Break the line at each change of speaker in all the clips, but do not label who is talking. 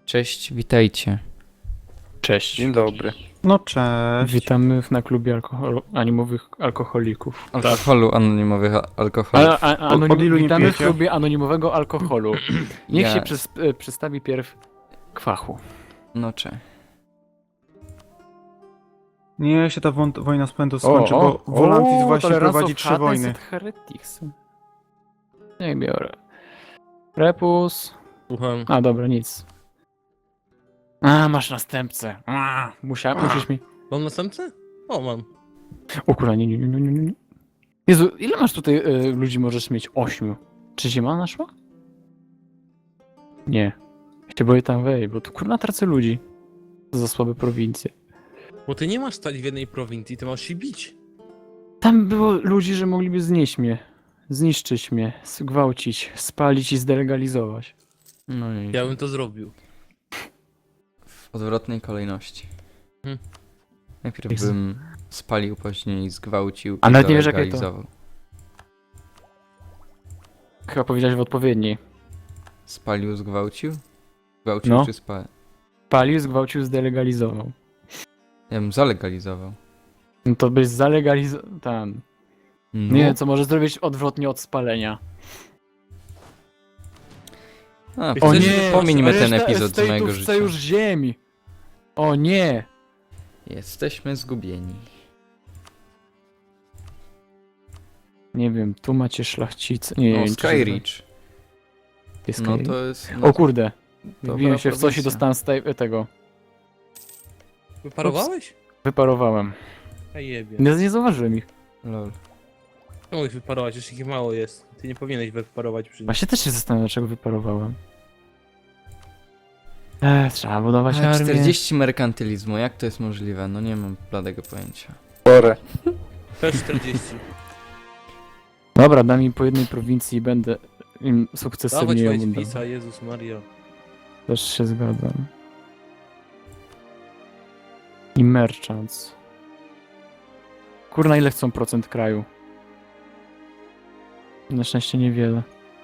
Cześć, witajcie.
Cześć.
Dzień dobry.
No cześć.
Witamy na klubie anonimowych alkoholików.
Alkoholu, anonimowych alkoholi.
Od ilu nie
Witamy w
pijecie?
klubie anonimowego alkoholu. Niech
Ja-
się przedstawi pierw Kwachu.
No cze.
Nie się ta wojna z Pędu skończy, bo Volantis właśnie
Tolerance
prowadzi
of
3
Hades
wojny.
and Heretics. Nie biorę. Repus.
Słucham.
A dobra, nic. A, masz następcę. Musisz mi...
Mam następcę? O, mam.
O kurwa, nie. Jezu, ile masz tutaj ludzi możesz mieć? 8. Czy zima naszła? Nie. Ja się boję tam wejść, bo tu kurwa tracę ludzi. To za słabe prowincje.
Bo ty nie masz stać w jednej prowincji, ty masz się bić.
Tam było ludzi, że mogliby znieść mnie. Zniszczyć mnie, zgwałcić, spalić i zdelegalizować.
No i
Ja bym to zrobił.
w odwrotnej kolejności.
Hmm.
Najpierw
Jezu.
bym spalił, później zgwałcił
A
i
nawet nie wiesz, jakie to.
zalegalizował.
Chyba powiedziałeś w odpowiedniej.
Spalił, zgwałcił? Zgwałcił
No.
czy spalił?
Spalił, zgwałcił, zdelegalizował.
Ja bym zalegalizował.
No to byś zalegalizował... Tam.
No.
Nie, co może zrobić odwrotnie od spalenia.
A,
O
nie, pomińmy ten
Reszta
epizod z mojego
estate'ów
życia.
chce już ziemi. O nie!
Jesteśmy zgubieni.
Nie wiem, tu macie szlachcice. Nie,
No,
wiem, czy się
Skyreach.
Jest
No
Skyreach?
to jest...
O kurde.
dobra
Wbiłem się w coś i
prowincja.
dostałem z tego.
Wyparowałeś?
Wyparowałem.
A jebie.
Nie zauważyłem ich.
Lol.
Nie mogłeś wyparować, jeszcze ich mało jest. Ty nie powinieneś wyparować przy nich.
Właśnie też się zastanawiam, dlaczego wyparowałem. Trzeba budować
Ale
armię.
40 merkantylizmu, jak to jest możliwe? No nie mam bladego pojęcia.
Porę. Też 40.
Dobra, dam im po jednej prowincji i będę im
Dawać
sukcesywnie ją
White
budował.
Pisa, Jezus Maria.
Też się zgadzam. I merchants. Kurna, ile chcą procent kraju? Na szczęście niewiele.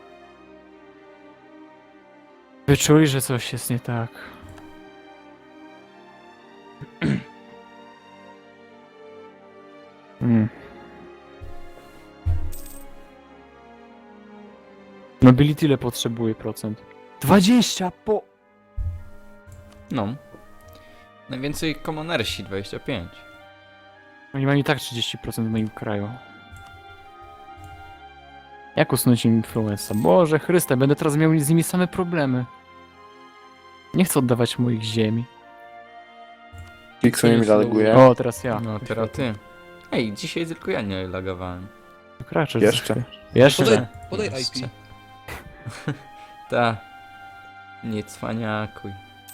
Wyczuli, że coś jest nie tak. Nobility ile potrzebuje procent? 20 po...
No. Najwięcej commonersi, 25.
Oni mają i tak 30% w moim kraju. Jak usunąć im influenza? Boże Chryste, będę teraz miał z nimi same problemy. Nie chcę oddawać moich ziemi.
Pixel mi laguje.
O, teraz ja.
No teraz ty. Ej, dzisiaj tylko ja nie lagowałem.
Kraczesz.
Jeszcze.
Jeszcze.
Podaj, podaj
Jeszcze.
IP.
Ta. Nie cwaniakuj.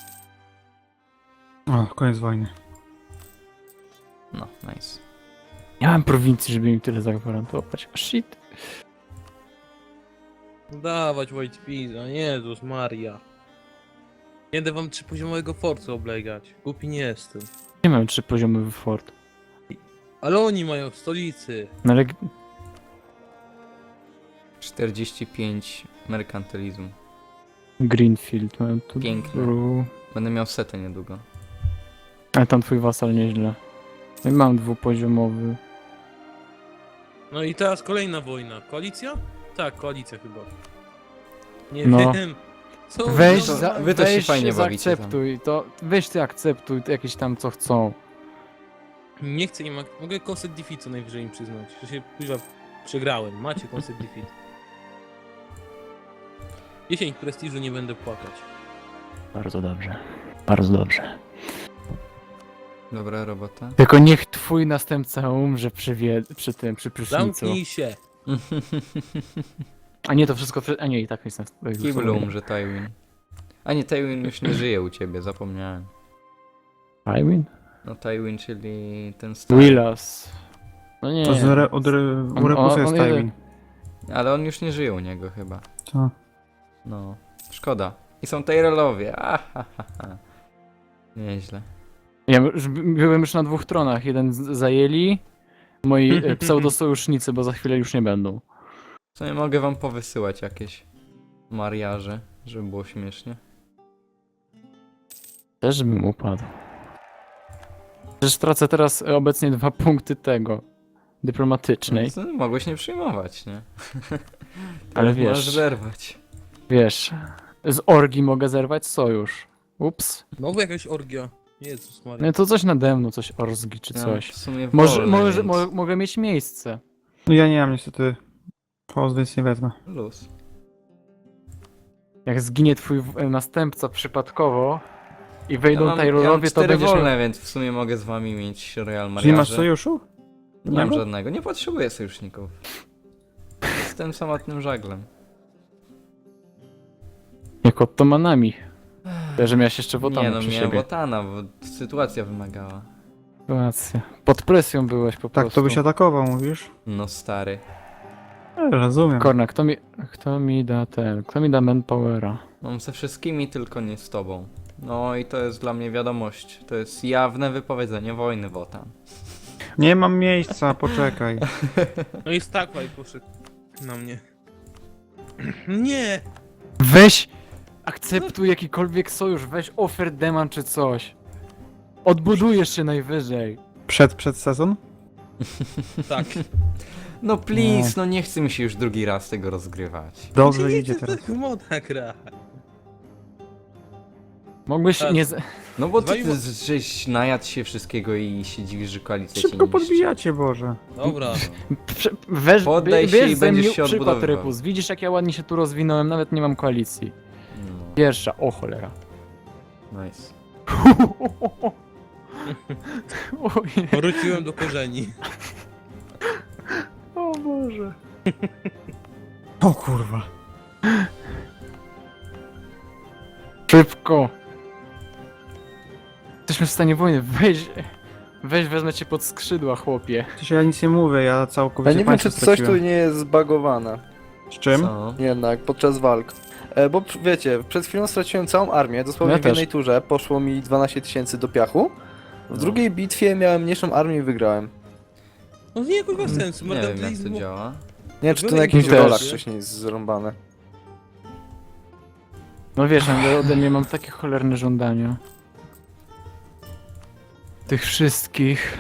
O, koniec wojny.
No, nice.
Nie mam prowincji, żeby im tyle zagwarantować. Shit.
Dawać White Pisa, Jezus Maria. Nie będę wam 3-poziomowego forcu oblegać. Głupi nie jestem.
Nie mam 3 poziomy fort.
Ale oni mają w stolicy.
No ale
45 merkantylizmu.
Greenfield mam tu.
Piękne. Będę miał setę niedługo.
Ale tam twój wasal nieźle. No i mam dwupoziomowy.
No i teraz kolejna wojna. Koalicja? Tak, koalicja chyba. Nie
No.
wiem. Co
Weź,
no,
wy to się
weź
fajnie bawicie tam.
zaakceptuj to. Weź ty akceptuj to jakieś tam co chcą.
Nie chcę, nie mogę concept defeat co najwyżej im przyznać. Że się kuźwa przegrałem. Macie concept defeat. 10 prestiżu nie będę płakać.
Bardzo dobrze. Bardzo dobrze.
Dobra robota.
Tylko niech twój następca umrze przy prysznicu.
Zamknij się.
A nie, to wszystko a nie, i tak jest
Kiblu umrze Tywin. A nie, Tywin już nie żyje u ciebie, zapomniałem.
Tywin?
No Tywin, czyli ten stary.
Willas. No nie.
To u Repusa jest
jeden.
Tywin.
Ale on już nie żyje u niego chyba.
Co?
No, szkoda. I są Tyrellowie. Nieźle.
Ja byłem już na 2 tronach. Jeden zajęli. Moi pseudosojusznicy, bo za chwilę już nie będą.
Co nie mogę wam powysyłać jakieś mariaże, żeby było śmiesznie.
Też bym upadł. Przecież tracę teraz obecnie 2 punkty tego. Dyplomatycznej.
No, mogłeś nie przyjmować, nie?
Ale
Teraz możesz
wiesz,
zerwać.
wiesz, z orgi mogę zerwać sojusz. Ups.
Znowu jakaś orgia. Jezus Maria.
No to coś nade mną, coś orzgi czy
Ja
coś.
w sumie
Może,
wolę, więc
mogę mieć miejsce.
No ja nie mam niestety host, więc nie wezmę.
luz.
Jak zginie twój następca przypadkowo i
Ja
wejdą
mam
Taylorowie, to
4
będziesz
wolne,
miał...
więc w sumie mogę z wami mieć Royal
Czyli masz
Mariaże.
sojuszu?
Nie mam
Żadnego?
żadnego, nie potrzebuję sojuszników. Jestem samotnym żaglem.
Jak ottomanami. Chyba, że miałeś jeszcze
Nie
Wotana
no,
przy
miałem
siebie.
Wotana, bo sytuacja wymagała.
Sytuacja. Pod presją byłeś po
Tak,
prostu.
to byś atakował, mówisz?
No stary.
Rozumiem.
Korna, kto mi da ten, kto mi da manpowera?
Mam ze wszystkimi, tylko nie z tobą. No i to jest dla mnie wiadomość. To jest jawne wypowiedzenie wojny, Wotan.
Nie mam miejsca, poczekaj.
No i Stakwaj poszedł na mnie. Nie!
Weź, akceptuj jakikolwiek sojusz, weź offer demand czy coś. Odbudujesz się najwyżej.
Przed sezon?
Tak.
No please, no nie chce mi się już drugi raz tego rozgrywać.
Dobrze
Nie
idzie
chcę
teraz.
w tego moda gra.
Mógłbyś
Tak.
nie...
No bo
Dwa
ty,
i-
ty żeś najadł się wszystkiego i się dziwisz, że koalicja
Szybko
cię niszczy.
podbijacie, Boże.
Dobra.
Weź,
Poddaj się
bierz
i
ze
będziesz
mnie
się
przykład,
odbudowywał.
Rypus. Widzisz jak ja ładnie się tu rozwinąłem, nawet nie mam koalicji.
No,
Pierwsza, o cholera.
nice.
Oj,
Wróciłem do korzeni.
o Boże.
O kurwa.
Szybko. Jesteśmy w stanie wojny, weź wezmę cię pod skrzydła, chłopie.
Przecież ja nic nie mówię, ja
Ja
całkowicie
nie wiem,
państwo
czy coś tu
straciłem.
nie jest zbagowane.
Z czym?
Co?
Jednak, podczas walk. Bo wiecie, przed chwilą straciłem całą armię, dosłownie
Ja
w
też.
jednej turze poszło mi 12 000 do piachu. W
No.
drugiej bitwie miałem mniejszą armię i wygrałem.
No nie kurwa sensu.
Nie wiem jak to
Mercantilizmu.
działa.
Nie wiem, czy to na
Były
jakichś
też.
rolach wcześniej jest zrąbane.
No wiesz, ja ode mnie mam takie cholerne żądania. Tych wszystkich...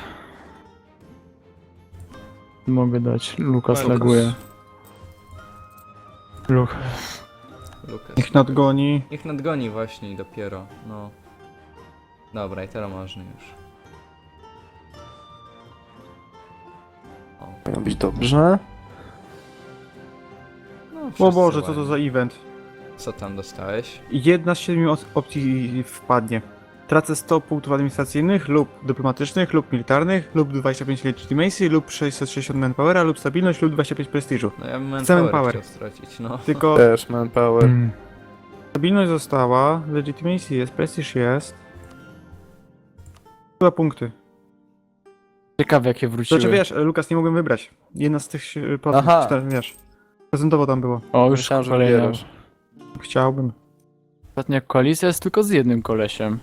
Mogę dać. Lukas
Lukas.
laguje.
Lukas.
Niech nadgoni.
Niech nadgoni właśnie i dopiero, no. Dobra, i teraz można już. O,
Powinno być dobrze.
no
O
wszyscy
Boże, co to
ładnie.
za event.
Co tam dostałeś?
Jedna z 7 opcji wpadnie. Tracę 100 punktów administracyjnych lub dyplomatycznych lub militarnych lub 25 legitimacy lub 660 manpowera lub stabilność lub 25 prestiżu.
No ja bym
Chcę
manpower
manpower.
chciał stracić, no.
Tylko
Też manpower.
stabilność została, legitimacy jest, prestiż jest. 2 punkty.
Ciekawe jakie wróciły.
Znaczy wiesz, Lukas, nie mogłem wybrać. Jedna z tych
Aha.
wiesz. Prezentowo tam było.
O, już
Myślałem, że
kolejna.
wybierasz.
Chciałbym.
Ostatnia koalicja jest tylko z jednym kolesiem.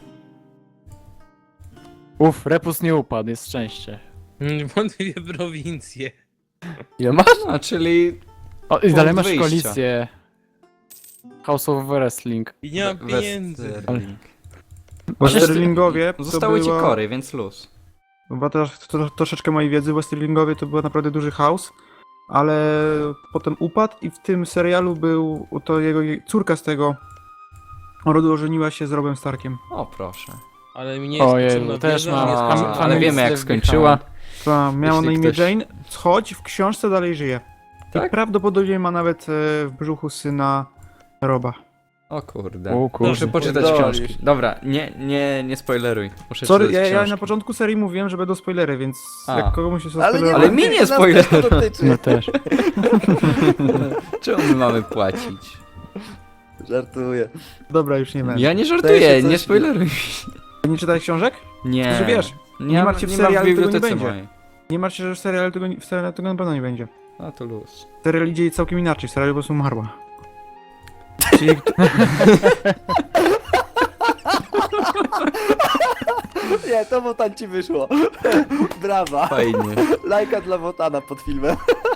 Repus nie upadł, jest szczęście.
Wątpliwie prowincje.
Ile masz?
No, czyli
O, i dalej masz
wyjścia.
koalicję. House of Wrestling.
I nie mam pieniędzy.
Westerling.
Bo
Ale
Sterlingowie to
Zostały ci
była...
kory, więc luz.
Bo teraz troszeczkę mojej wiedzy, Westerlingowie to był naprawdę duży chaos, ale potem upadł i w tym serialu był to jego córka z tego rodu ożeniła się z Robem Starkiem.
O, proszę.
Ale mi nie jest
Ojej,
potrzebna
też
wiedza,
mam.
nie jest
A,
potrzebna
ale
Family
wiemy jak
Slave
skończyła.
Ta miała na
Jeśli
imię
ktoś-
Jane, choć w książce dalej żyje. I
Tak?
prawdopodobnie ma nawet w brzuchu syna Roba.
O kurde.
O kurde.
Muszę poczytać
Pierdolisz.
książki. Dobra, nie spoileruj. Muszę
Sorry,
czytać
ja na
książki.
początku serii mówiłem, że będą spoilery, więc
A.
jak komuś się
Ale nie,
zaspoilerować-
Ale mi nie
nas
spoiler.
też to dotyczy.
No też.
Czemu my mamy płacić?
Żartuję.
Dobra, już nie będę.
Ja nie
Zdaje
żartuję,
się
nie
coś-
spoileruj.
Nie czytałeś książek?
Nie.
Znaczy, wiesz, nie martw się, w
ma
serialu tego nie
bibliotece
będzie.
mojej.
Nie martw się, że w serialu tego na pewno nie będzie.
A to luz.
Serial idzie całkiem inaczej, w serialu po prostu umarła.
Czyli
Nie, to Wotan ci wyszło. Brawa.
Fajnie.
Lajka dla Wotana pod filmem.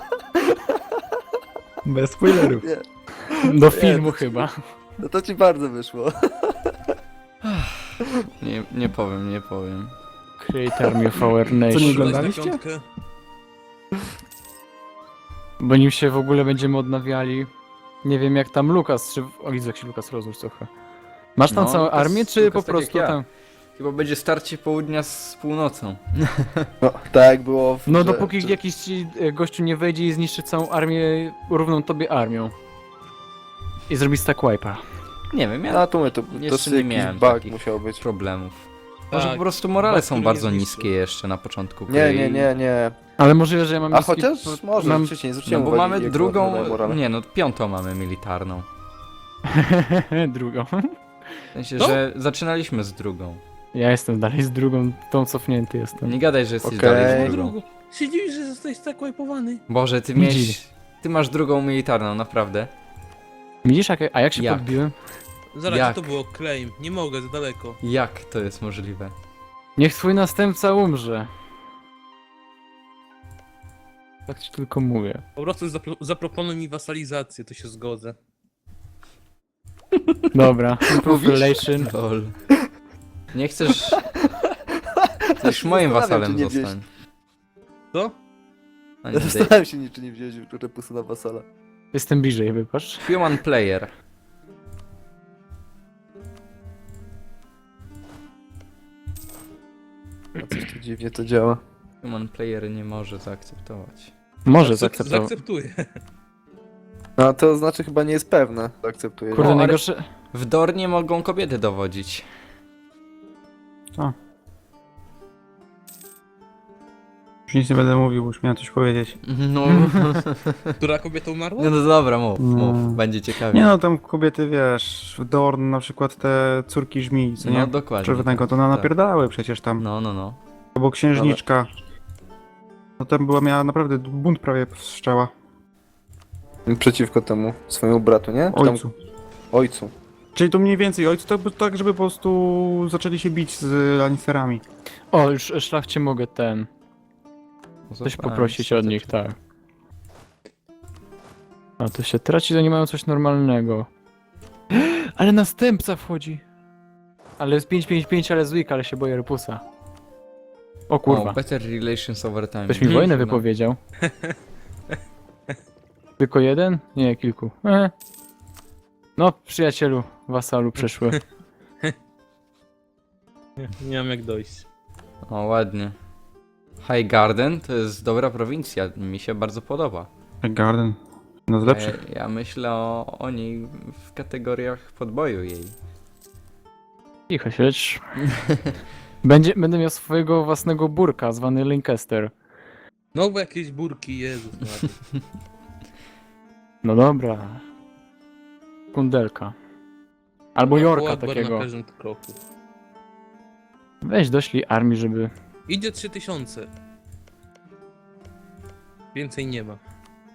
Bez spoilerów.
Nie,
do filmu chyba.
no to ci bardzo wyszło.
Nie powiem, nie powiem.
Create Army of Our
Co nie
Nation.
Dać na
oglądaliście?
piątkę.
Bo nim się w ogóle będziemy odnawiali. Nie wiem jak tam Lukas, czy... O, widzę jak się Lukas rozłóż trochę. Masz tam
No,
całą
Lukas-
armię, czy
Lukas
po
tak jak
prostu
ja.
tam...
Chyba będzie starcie południa z północą.
No, tak jak było w...
No
że-
dopóki
że-
jakiś ci gościu nie wejdzie i zniszczy całą armię równą tobie armią. I zrobi stack wipe'a.
Nie wiem, ja
No to
Jeszcze
to
nie
jakiś
miałem
bug
takich
musiał być.
problemów. Może
Tak,
po prostu morale
bug,
są
który
bardzo
nie zniszczy.
niskie jeszcze na początku gry
Nie,
i-
nie, nie, nie.
Ale możliwe, że ja mam
A
niski-
chociaż może,
mam...
wcześniej
No
zwróciłem
bo
uwagę,
mamy
jak
drugą,
wyglądają morale.
nie no, piątą mamy militarną.
drugą.
W sensie,
Co?
że zaczynaliśmy z drugą.
Ja jestem dalej z drugą, tą cofnięty jestem.
Nie gadaj, że jesteś
Okej.
dalej z drugą.
Drugo. Się dziwisz, że zostałeś tak wipe'owany?
Boże, ty
Nie
miałeś...
dziwię.
Ty masz drugą militarną, naprawdę.
Widzisz, a jak się
Jak?
podbiłem?
Zaraz,
Jak?
to było claim. Nie mogę, za daleko.
Jak to jest możliwe?
Niech twój następca umrze. Tak ci tylko mówię.
Po prostu zaproponuj mi wasalizację, to się zgodzę.
Dobra, improve relation.
Lol. Nie chcesz... Chcesz moim
Zastanawiam
wasalem
się, nie wziąć.
zostań.
Co?
A nie,
Ja zastanawiam się, czy nie wziąć repusu na wasala.
Jestem bliżej, wybacz.
Human player.
A coś tu dziwnie to działa.
Human player nie może zaakceptować.
Może zaakceptował.
Zaakceptuję.
No to znaczy chyba nie jest pewne. Akceptuję.
Kurde,
ale-
najgorsze...
W Dornie mogą kobiety dowodzić.
Już nic nie będę mówił, bo już miałem coś powiedzieć.
No,
Która kobieta umarła?
no dobra, mów,
No.
mów, będzie ciekawie.
Nie no, tam kobiety, wiesz, w Dorn na przykład te córki żmii, co
No
nie?
dokładnie.
Czerwonego, to
tak.
napierdały przecież tam.
No, no, no.
Albo księżniczka. No tam miała naprawdę bunt prawie wszczęła.
Przeciwko temu swojemu bratu, nie? Czy tam-
Ojcu.
Ojcu.
Czyli to mniej więcej ojcu, tak żeby po prostu zaczęli się bić z Lannisterami.
O, już szlachcie mogę coś poprosić od nich, tak. A to się traci, to nie mają coś normalnego. Ale następca wchodzi. Ale jest 5-5-5, ale z weak, ale się boję repusa. O kurwa.
O, better relations over time.
Ktoś mi
Mhm.
wojnę
No.
wypowiedział. Tylko jeden? Nie, kilku. No, przyjacielu, wasalu przeszły.
Nie mam jak dojść.
O, ładnie. High Garden to jest dobra prowincja, mi się bardzo podoba.
Garden. No z lepszych.
Ja myślę o niej w kategoriach podboju jej.
Cicho siedź. Będę miał swojego własnego burka, zwany Lancaster.
No bo jakieś burki, Jezus Maria.
No dobra. Kundelka. Albo Jorka
Akbar
takiego.
na każdym kroku.
Weź doślij armii, żeby...
Idzie 3000. Więcej nie ma.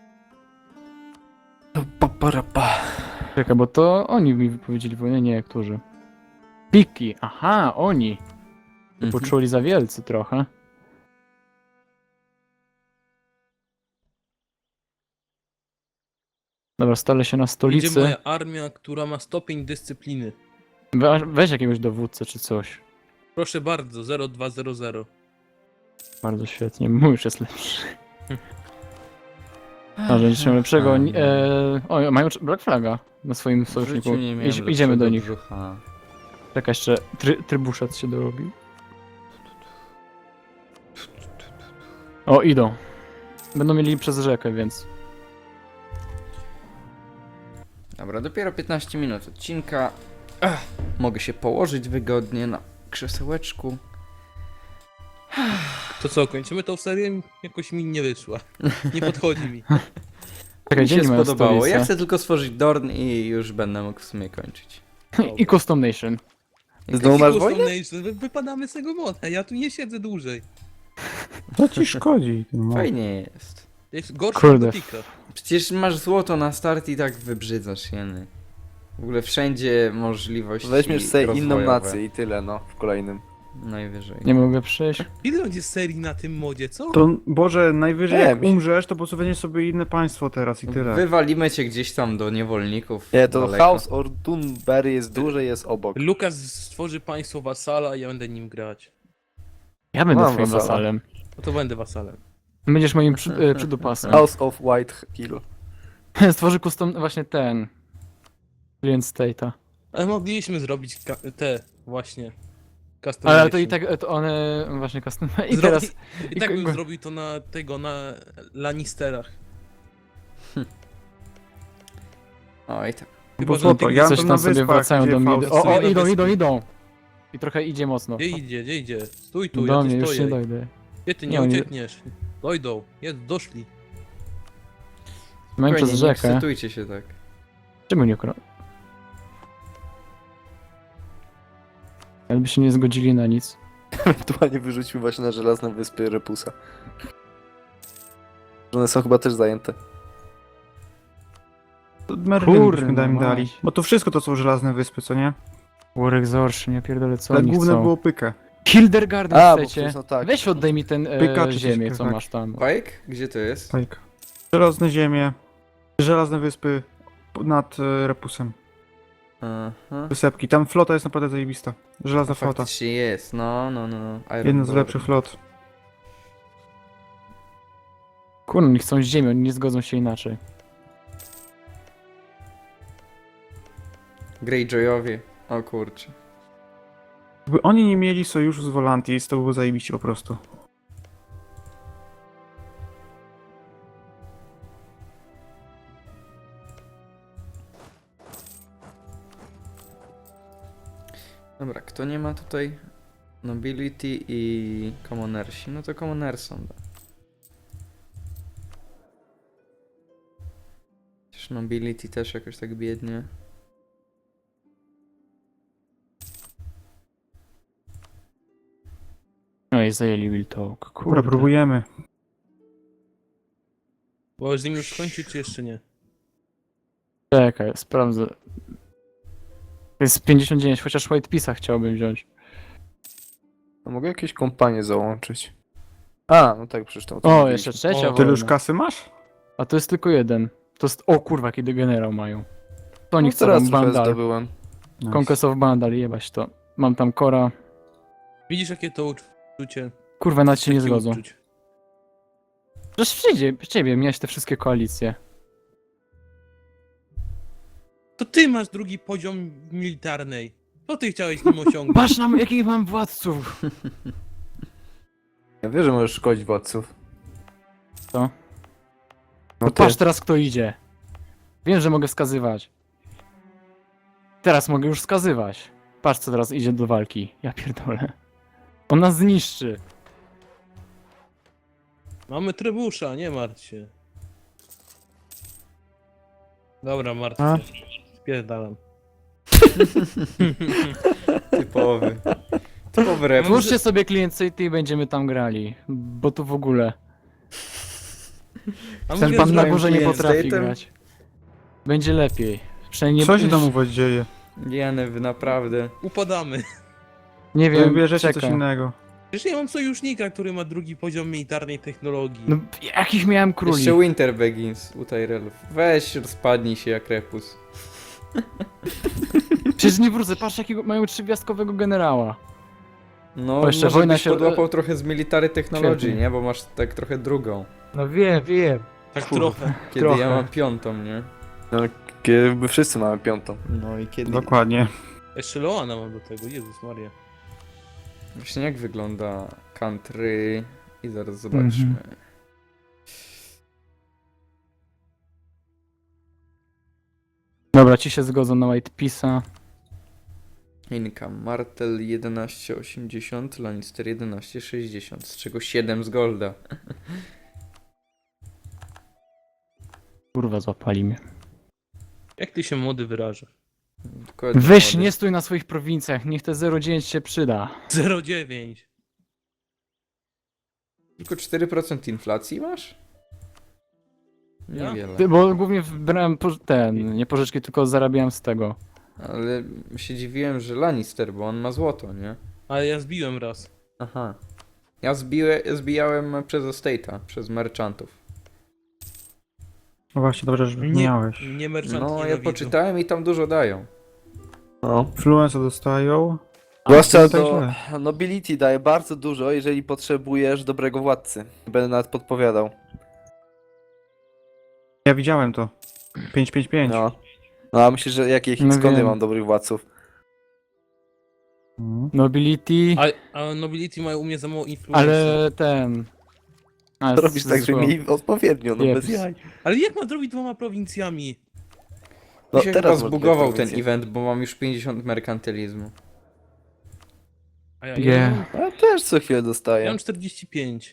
Czekaj, bo to oni mi wypowiedzieli wojnę, nie, którzy. Piki, aha, oni.
Mhm.
Poczuli za wielcy trochę. Dobra, stale się na
Idzie
stolicy.
moja armia, która ma stopień dyscypliny.
Weź jakiegoś dowódcę czy coś.
Proszę bardzo, 0200.
Bardzo świetnie, mój już jest lepszy. A, że niczym lepszego. O, mają Black Flaga na swoim
W
sojuszniku.
życiu nie miałem
Idziemy do
lepszego
nich.
brzucha.
Czekaj, jeszcze trybuszat się dorobi. O, idą. Będą mieli przez rzekę, więc...
Dobra, dopiero 15 minut odcinka. Mogę się położyć wygodnie na krzesełeczku.
To co, kończymy tą serię? Jakoś mi nie wyszła. Nie podchodzi mi.
Czekaj,
Mi
gdzie
się
nie mają
spodobało.
stolicy?
Ja chcę tylko stworzyć Dorn i już będę mógł w sumie kończyć.
I Custom Nation.
Znowu masz
Custom
wojnę?
Nation, wypadamy z tego moda, ja tu nie siedzę dłużej.
To ci szkodzi. No.
Fajnie jest.
Jest gorszy
Kurde.
od Gotika.
Przecież masz złoto na start i tak wybrzydzasz jeny. W ogóle wszędzie możliwości
Weźmiesz sobie inną
rozwojowe.
nację i tyle, no, w kolejnym.
Najwyżej.
Nie mogę przejść.
Ile będzie serii na tym modzie, co?
To, Boże, najwyżej
Nie,
jak
mi się-
umrzesz, to po prostu weźmiesz sobie inne państwo teraz i tyle.
Wywalimy cię gdzieś tam do niewolników.
Nie, to
daleko.
House of Dunbury jest duży, jest obok.
Lukas stworzy państwo wasala i ja będę nim grać.
Ja będę
Mam
twoim
wasala.
wasalem.
No to będę wasalem.
Będziesz moim przydupasem.
House of White Hill.
Stworzy custom właśnie ten. Client state'a.
Ale mogliśmy zrobić te właśnie.
Ale
customization.
to i tak to one właśnie custom. I
Zro-
teraz.
I tak bym
i-
zrobił to na tego, na Lannisterach.
Oj tak.
Chyba,
Bo
że
co
na
to?
tych-
Ja
Coś
to
tam
na
sobie
wyspach,
wracają
gdzie
do mnie.
Faust
O,
sobie na
idą,
wyspy.
idą, idą. I trochę idzie mocno.
Gdzie idzie? Stój tu,
Do
ja
mnie
tu
już
stoję.
nie dojdę.
Gdzie ty
Nie,
nie
oni-
uciekniesz? Dojdą, doszli.
Mają przez
Nie
rzekę.
ekscytujcie się tak.
Czemu nie ukradł? Jakby się nie zgodzili na nic.
Ewentualnie wyrzucił właśnie na żelazne wyspy Repusa. One są chyba też zajęte.
To Merlin
Kurde,
byśmy im dali.
mać.
Bo to wszystko to są żelazne wyspy, co nie?
War Exortion, ja pierdolę co
Ale
oni
główne
chcą.
było pykę.
Hildergarden
A, bo
chcecie?
przecież no tak.
Weź oddaj mi ten
Pyka czy coś
ziemię,
takiego,
co
tak.
masz tam.
Pike? Gdzie to jest?
Tak. Żelazne ziemie, żelazne wyspy nad Repusem.
Aha.
Wysepki. Tam flota jest naprawdę zajebista. Żelazna flota.
Faktycznie jest, no.
Jedna z
Ironborn.
lepszych flot.
Kurno, oni chcą ziemię, oni nie zgodzą się inaczej.
Greyjoyowie. O kurczę.
Gdyby oni nie mieli sojuszu z Volantis, to było zajebiście po prostu.
Dobra, kto nie ma tutaj Nobility i Commonersi? No to Commonersom da. Przecież Nobility też jakoś tak biednie.
No i zajęli Wiltalk.
Dobra,
Kurde.
próbujemy.
Bo z nim już skończyć, czy jeszcze nie?
Czekaj, sprawdzę. To jest 59, chociaż White Piece'a chciałbym wziąć.
A mogę jakieś kompanie załączyć? A, no tak, przecież to
O, jeszcze trzecia
O,
Tyle już
wojna.
kasy masz?
A to jest tylko jeden. To jest... O kurwa, kiedy generał mają. To oni
No,
chcą
teraz
tam
trochę
Bandal.
zdobyłem.
Nice.
Conquest of Bandal, jebać to. Mam tam Kora.
Widzisz, jakie to uczucie?
Kurwa, nawet się nie
Jakie
zgodzą.
uczuć?
Przecież w ciebie miałeś te wszystkie koalicje.
To ty masz drugi poziom militarnej. Co ty chciałeś nim osiągnąć?
Patrz nam, jakich mam władców.
Ja wiem, że możesz szkodzić władców.
Co?
No
To
ty.
patrz teraz, kto idzie. Wiem, że mogę wskazywać. Teraz mogę już wskazywać. Patrz, co teraz idzie do walki. Ja pierdolę. On nas zniszczy.
Mamy trybusza, nie martw się. Dobra, martw
A?
się. Spierdalam.
Typowy. Typowy rep.
Włóżcie sobie Client City i będziemy tam grali. Bo tu w ogóle.
A
Ten
mogę
pan na
zrobić-
górze nie
Client
potrafi
State'em?
grać. Będzie lepiej. Przynajmniej
Co się tam u was dzieje?
Jany, wy naprawdę.
Upadamy.
Nie
Wy
wiem,
bierzecie
czekaj.
coś innego.
Przecież ja mam sojusznika, który ma drugi poziom militarnej technologii.
No, jakich miałem króli?
Jeszcze Winter Begins u Tyrellów. Weź, rozpadnij się jak Repus.
Przecież nie wrócę, patrz jakiego mają trzygwiazdkowego generała.
No,
jeszcze
może
wojna
byś
się-
podłapał trochę z Military Technology,
Świetnie.
nie? Bo masz tak trochę drugą.
No wiem.
Tak
Kurwa.
trochę.
Kiedy
Trochę.
ja mam piątą, nie?
No, kiedy wszyscy mamy piątą.
No i kiedy...
Dokładnie.
Jeszcze Loana mam do tego, Jezus Maria.
Właśnie jak wygląda country... I zaraz zobaczmy.
Mhm. Dobra, ci się zgodzą na White Piece'a.
Income. Martel 11,80, Lannister 11,60, z czego 7 z golda.
Kurwa, złapali mnie.
Jak ty się młody wyrażasz?
Dokładnie,
Weź,
młody.
nie stój na swoich prowincjach, niech te 0,9 się przyda.
0,9.
Tylko 4% inflacji masz?
Ja?
Niewiele.
Ty, bo głównie brałem nie pożyczki, tylko zarabiałem z tego.
Ale się dziwiłem, że Lannister, bo on ma złoto, nie?
Ale ja zbiłem raz.
Aha. Ja zbijałem przez estate'a, przez merchantów.
No właśnie, dobrze, że
Nie,
miałeś.
nie merchant
No, ja
nienawidzą.
poczytałem i tam dużo dają.
No.
Influenza dostają.
Zwłaszcza
to tak
do
źle.
nobility daje bardzo dużo, jeżeli potrzebujesz dobrego władcy. Będę nawet podpowiadał.
Ja widziałem to. 555.
No. No a myślisz, że jakie
No
skąd ja
wiem.
mam dobrych władców?
Mhm.
Nobility,
A Nobility mają u mnie za mało influencji.
ale ten... A,
To robisz tak, że
zło.
mieli odpowiednio, no
Jeps.
bez jaj.
Ale jak ma zrobić 2 prowincjami?
No
Mi się chyba
teraz
zbugował
masz
ten
prowincję.
event, bo mam już 50 merkantylizmu.
A ja,
Nie.
ja, mam,
Ja też co chwilę
ja
dostaję.
mam 45.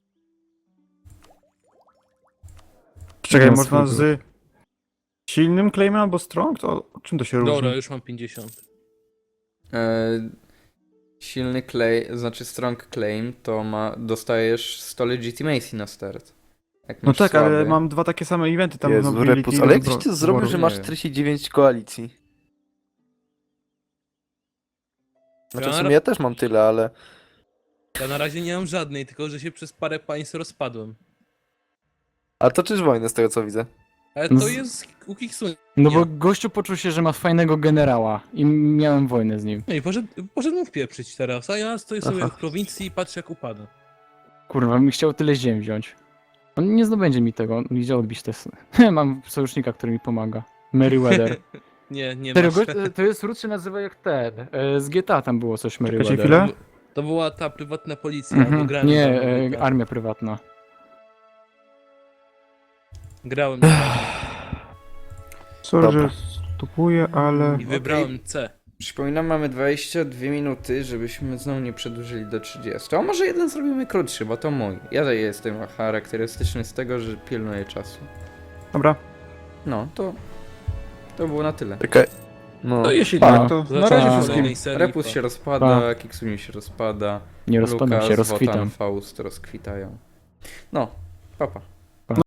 Czekaj,
No,
można
spoko.
z silnym claimem albo strong? To czym to się różni?
Dobra, już mam 50.
Silny claim, znaczy strong claim, to dostajesz 100 legitimacy na start. Jak
No
masz
tak,
słaby.
ale mam dwa takie same eventy tam
Jezu,
nobility
Repus,
i
ale jak
dobro-
tyś to zrobił,
wyboru.
że
nie
masz
wiem.
49 koalicji? Znaczy
Ja
w
na
sumie
ra-
ja też mam tyle, ale...
Ja na razie nie mam żadnej, tylko że się przez parę państw rozpadłem.
A toczysz wojnę z tego co widzę.
Ale
No
to
z-
jest u Kiksun.
No
Nie.
bo gościu poczuł się, że ma fajnego generała i miałem wojnę z nim.
No i poszedł mu wpieprzyć teraz, a ja stoję sobie w prowincji i patrzę jak upada.
Kurwa, mi chciał tyle ziem wziąć. On nie zdobędzie mi tego, on idzie odbić te... Mam sojusznika, który mi pomaga. Meriwether.
Nie
Serio,
masz.
to jest ród się nazywa jak ten. Z GTA tam było coś
Czekajcie
Meriwether.
chwilę.
To była ta prywatna policja, bo
Mhm.
grałem
Nie,
tam,
armia prywatna.
grałem
Sorry,
Dobra.
że stopuję, ale...
i wybrałem C.
Przypominam, mamy 22 minuty, żebyśmy znowu nie przedłużyli do 30. A może jeden zrobimy krótszy, bo to mój. Ja jestem charakterystyczny z tego, że pilnuję czasu.
Dobra.
No, to było na tyle.
Czekaj. No.
To jeśli
Tak,
no,
to na
zobaczymy
razie
w
wszystkim.
kolejnej serii,
Repus
pa.
się rozpada, Kiksuni się rozpada,
Nie rozpadam
Lukas,
się, rozkwitam.
Wotan, Faust rozkwitają. No, papa.